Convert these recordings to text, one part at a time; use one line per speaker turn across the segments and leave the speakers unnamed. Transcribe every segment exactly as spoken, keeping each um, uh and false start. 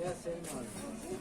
Gel senin abi.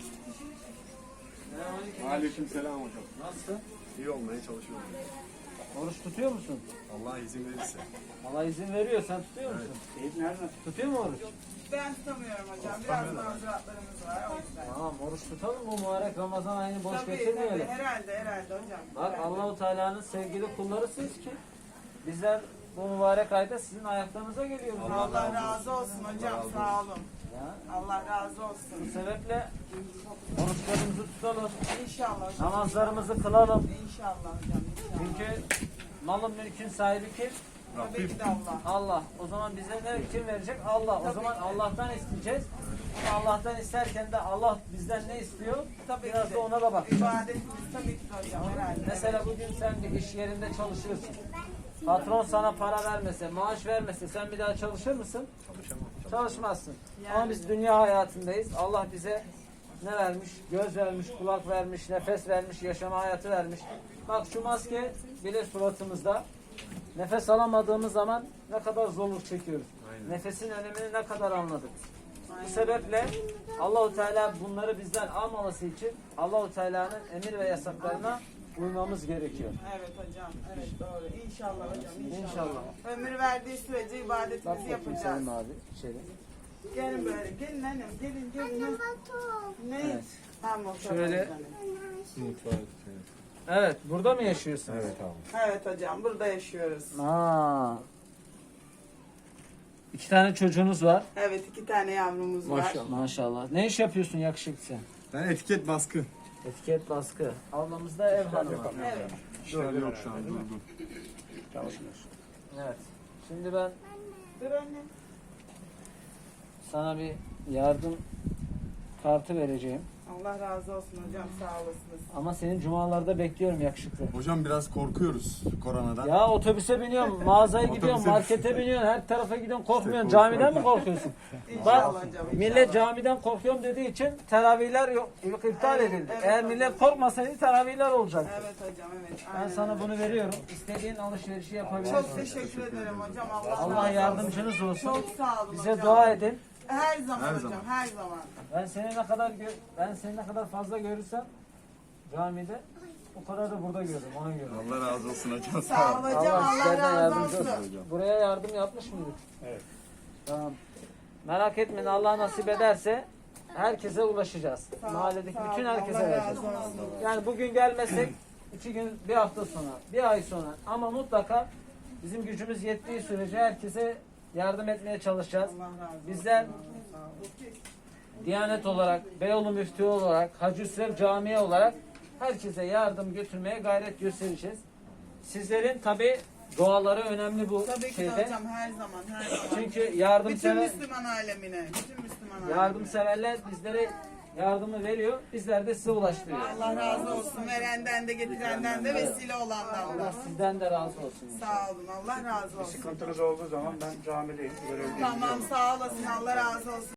Aleykümselam hocam.
Nasılsın?
İyi olmaya çalışıyorum.
Oruç tutuyor musun?
Allah izin verirse.
Allah izin veriyor. Sen tutuyor musun?
Evet. Nereden?
Tutuyor mu oruç?
Ben tutamıyorum hocam. Biraz mazuratlarımız var o yüzden.
Tamam, oruç tutalım bu mübarek Ramazan ayını boş
Tabii tabii
geçirmeyelim.
herhalde herhalde hocam.
Bak
Herhalde.
Allah-u Teala'nın sevgili kullarısınız ki bizler bu mübarek ayda sizin ayaklarınıza geliyoruz.
Allah razı olsun hocam, sağ olun.
Ya,
Allah razı
bu
olsun.
sebeple oruçlarımızı tutalım,
İnşallah hocam.
namazlarımızı kılalım.
İnşallah hocam. İnşallah.
Çünkü malın mülkün sahibi kim?
Tabii ki de Allah.
Allah. O zaman bize ne kim verecek? Allah. O
Tabii
zaman
ki.
Allah'tan isteyeceğiz. Ama Allah'tan isterken de Allah bizden ne istiyor?
Tabii
Biraz
ki
da
de.
ona da bakacağız.
İbadetimiz tabii ki de hocam herhalde.
Mesela bugün sen bir iş yerinde çalışıyorsun. Patron sana para vermese, maaş vermese sen bir daha çalışır mısın?
Çalışamam.
Çalışmazsın.
Yani.
Ama biz dünya hayatındayız. Allah bize ne vermiş? Göz vermiş, kulak vermiş, nefes vermiş, yaşama hayatı vermiş. Bak şu maske bile suratımızda. Nefes alamadığımız zaman ne kadar zorluk çekiyoruz.
Aynen.
Nefesin önemini ne kadar anladık.
Aynen.
Bu sebeple Allahu Teala bunları bizden almaması için Allahu Teala'nın emir ve yasaklarına uymamız gerekiyor.
Evet hocam. Evet doğru. İnşallah hocam. İnşallah.
İnşallah.
Ömür verdiği sürece
Bak
ibadetimizi
bakayım
yapacağız.
Selim abi içeri.
Gelin böyle. Gelin annem. Gelin gelin. Ne?
Evet.
Tamam.
Şöyle.
Şöyle.
Evet, burada mı yaşıyorsunuz?
Evet abi.
Evet hocam. Burada yaşıyoruz.
Aa. İki tane çocuğunuz var.
Evet iki tane yavrumuz var.
Maşallah. Maşallah. Ne iş yapıyorsun yakışıklı sen?
Ben etiket baskı.
Etiket baskı. Ablamız da ev hanımı.
Evet.
İşler yok şu an. Durgun.
Evet. Şimdi ben
Dur anne.
sana bir yardım kartı vereceğim.
Allah razı olsun hocam. Sağ olasınız.
Ama senin cumalarda bekliyorum yakışıklı.
Hocam biraz korkuyoruz koronadan.
Ya otobüse biniyorum, mağazaya gidiyorum,
Otobüse-
markete biniyorsun, her tarafa gidiyorsun, korkmuyorsun.
İşte
Camiden mi korkuyorsun?
İnşallah
Bak,
hocam.
millet
inşallah.
camiden korkuyorum dediği için teravihler yok, yok iptal
Evet,
edildi.
evet
Eğer
hocam.
millet korkmasaydı teravihler olacaktı.
Evet hocam evet.
Ben
Aynen
sana
öyle.
bunu veriyorum. İstediğin alışverişi yapabilirsin.
Çok teşekkür ederim hocam. Allah,
Allah
razı olsun.
yardımcınız olsun.
Çok sağ olun
Bize
hocam.
dua edin.
Her zaman
Her
hocam.
zaman.
Her zaman.
Ben seni ne kadar gö- ben seni ne kadar fazla görürsem camide o kadar da burada görürüm. Ona göre.
Allah razı olsun hocam.
Sağ ol hocam.
Allah
Allah,
sizlerden
razı
yardımcı
olsun.
olsun. Buraya yardım yapmış mıydık?
Evet.
Tamam. Merak etmeyin, Allah nasip ederse herkese ulaşacağız.
Sağ ol,
Mahalledeki
sağ
bütün
ol.
herkese
Allah
vereceğiz.
razı olsun.
Yani bugün gelmesek iki gün, bir hafta sonra, bir ay sonra ama mutlaka bizim gücümüz yettiği sürece herkese yardım etmeye çalışacağız.
Allah razı olsun.
Bizler
Sağ ol.
Diyanet olarak, Beyoğlu Müftü olarak, Hacı Hüsrev Camii olarak herkese yardım götürmeye gayret göstereceğiz. Sizlerin tabi duaları önemli bu
Tabii ki de
şeyde.
hocam her zaman her zaman.
Çünkü
bütün
yardımsever,
Müslüman alemine, bütün Müslüman alemine.
yardımseverler bizlere yardımı veriyor. Bizler de size ulaştırıyoruz.
Allah razı olsun. Verenden de getirenden de vesile olandan
Allah
da.
sizden de razı olsun.
Sağ olun. Allah razı olsun.
Sıkıntınız olduğu zaman ben camideyim. Görevliyim.
Tamam sağ olasın. Allah razı olsun.